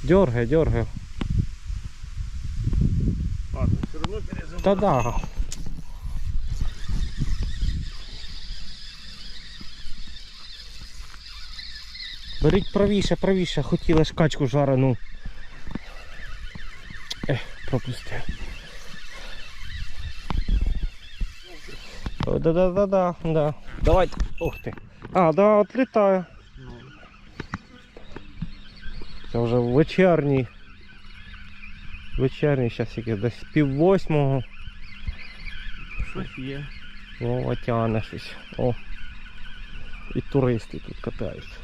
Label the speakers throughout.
Speaker 1: Дергай, дергай.
Speaker 2: Ладно, все равно перезабрал.
Speaker 1: Та да. Беріть правіше, правіше, хотіли ж качку жарену. Пропустив. Да. Давайте. Ух ти. А, да, отлітає. Це вже вечірній. Вечірній, зараз якийсь десь 7:30.
Speaker 2: Щось є.
Speaker 1: О, тягне щось. О. І туристи тут катаються.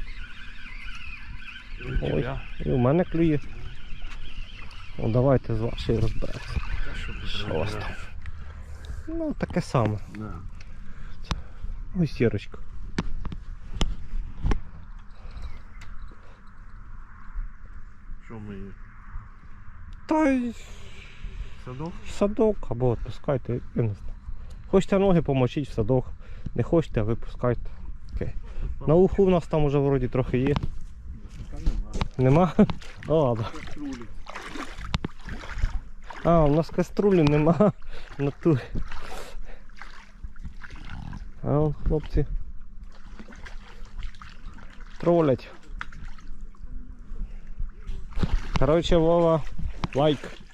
Speaker 1: Ой, і у мене клює. Ну давайте з вашої розберемося. Що у вас там? Ну таке саме.
Speaker 2: Да.
Speaker 1: Ось сірочка.
Speaker 2: Що ми її?
Speaker 1: Та й
Speaker 2: Садок?
Speaker 1: в садок або відпускайте, я не знаю. Хочете ноги помочіть в садок, не хочете, випускайте. Окей. На уху в нас там уже вроді трохи є.
Speaker 2: Та нема.
Speaker 1: Нема? О, ладно.
Speaker 2: Каструлі.
Speaker 1: А, у нас каструлі нема на ту. А он, хлопці тролять. Короче, Вова, лайк.